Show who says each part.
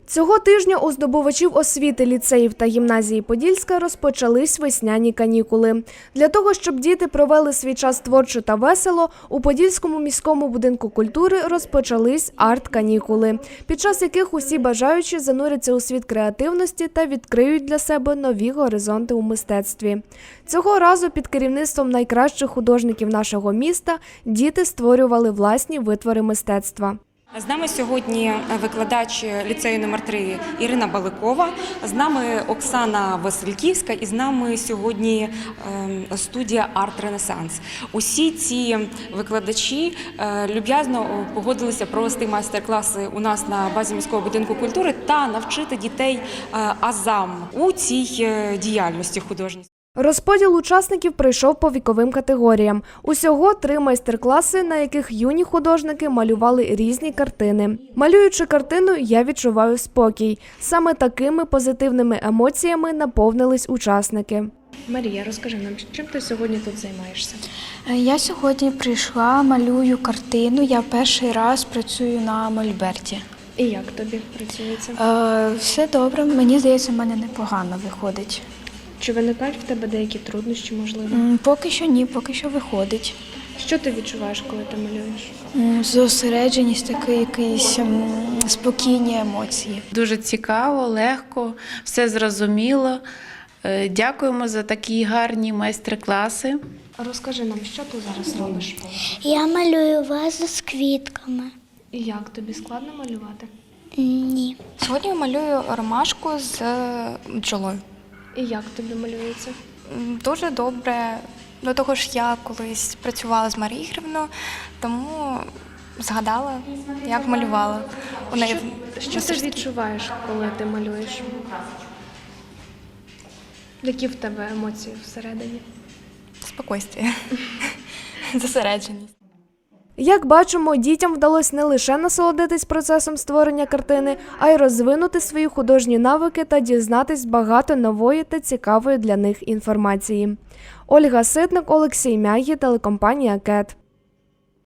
Speaker 1: Цього тижня у здобувачів освіти ліцеїв та гімназії Подільська розпочались весняні канікули. Для того, щоб діти провели свій час творчо та весело, у Подільському міському будинку культури розпочались арт-канікули, під час яких усі бажаючі зануряться у світ креативності та відкриють для себе нові горизонти у мистецтві. Цього разу під керівництвом найкращих художників нашого міста діти створювали власні витвори мистецтва.
Speaker 2: З нами сьогодні викладач ліцею номер 3 Ірина Баликова, з нами Оксана Васильківська і з нами сьогодні студія «Арт Ренесанс». Усі ці викладачі люб'язно погодилися провести майстер-класи у нас на базі міського будинку культури та навчити дітей азам у цій діяльності художній.
Speaker 1: Розподіл учасників пройшов по віковим категоріям. Усього 3 майстер-класи, на яких юні художники малювали різні картини. Малюючи картину, я відчуваю спокій. Саме такими позитивними емоціями наповнились учасники.
Speaker 3: Марія, розкажи нам, чим ти сьогодні тут займаєшся?
Speaker 4: Я сьогодні прийшла, малюю картину. Я перший раз працюю на мольберті.
Speaker 3: І як тобі працюється?
Speaker 4: Все добре, мені здається, в мене непогано виходить.
Speaker 3: Чи виникають в тебе деякі труднощі, можливо?
Speaker 4: Поки що ні, поки що виходить.
Speaker 3: Що ти відчуваєш, коли ти малюєш?
Speaker 4: Зосередженість, такі якісь спокійні емоції.
Speaker 5: Дуже цікаво, легко, все зрозуміло. Дякуємо за такі гарні майстер-класи.
Speaker 3: Розкажи нам, що ти зараз робиш?
Speaker 6: Я малюю вазу з квітками.
Speaker 3: І як тобі складно малювати?
Speaker 6: Ні.
Speaker 7: Сьогодні я малюю ромашку з бджолою.
Speaker 3: І як тобі малюється?
Speaker 7: Дуже добре. До того ж, я колись працювала з Марією Ігорівною, тому згадала, як малювала. У неї
Speaker 3: Що ти відчуваєш, коли ти малюєш? Які в тебе емоції всередині?
Speaker 7: спокійствие, зосередженість.
Speaker 1: Як бачимо, дітям вдалося не лише насолодитись процесом створення картини, а й розвинути свої художні навики та дізнатись багато нової та цікавої для них інформації. Ольга Ситник, Олексій Мягі, телекомпанія «КЕТ».